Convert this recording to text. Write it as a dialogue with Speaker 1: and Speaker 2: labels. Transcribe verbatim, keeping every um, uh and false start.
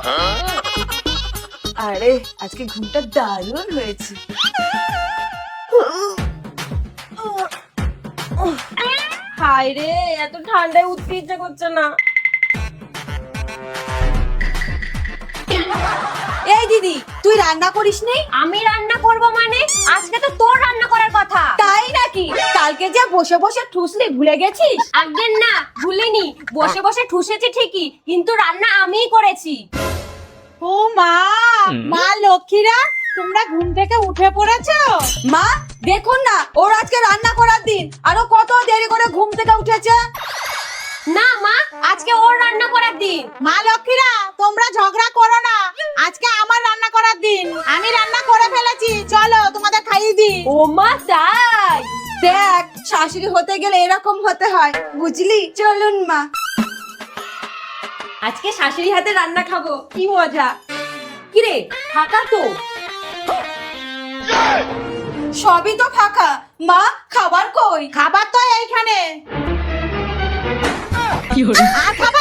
Speaker 1: আরে আজকে ঘুমটা দারুণ হয়েছে।
Speaker 2: হায় রে, এত ঠান্ডায় উঠতে ইচ্ছে করছে না।
Speaker 1: এই দিদি, তুই রান্না করিস নি?
Speaker 2: আমি রান্না করব মানে? আজকে তো তোর রান্না করার কথা।
Speaker 1: তাই নাকি? কালকে যে বসে বসে ঠুসলি, ভুলে গেছিস?
Speaker 2: একদিন না, ভুলিনি। বসে বসে ঠুসেছি ঠিকই, কিন্তু রান্না আমিই করেছি।
Speaker 3: ও মা, মা লক্ষ্মীরা, তোমরা ঘুম থেকে উঠে পড়েছো?
Speaker 1: মা দেখুন না, ওর আজকে রান্না করার দিন, আরো কত দেরি করে ঘুম থেকে উঠেছে।
Speaker 2: না মা, আজকে ওর রান্না করার দিন।
Speaker 3: মা লক্ষ্মীরা, তোমরা ঝগড়া করো না, আজকে আমার রান্না করার দিন। আমি রান্না করে ফেলেছি, চলো তোমাদের খাইয়ে দিই।
Speaker 2: ও মা, তাই?
Speaker 1: দেখ, শাশুড়ি হতে গেলে এরকম হতে হয়, বুঝলি? চলুন মা।
Speaker 2: আজকে শাশুড়ি হাতে রান্না খাবো, কি মজা। কিরে, ফাঁকা তো?
Speaker 1: সবই তো ফাঁকা, মা খাবার কই?
Speaker 3: খাবার তো এইখানে। আর খাবার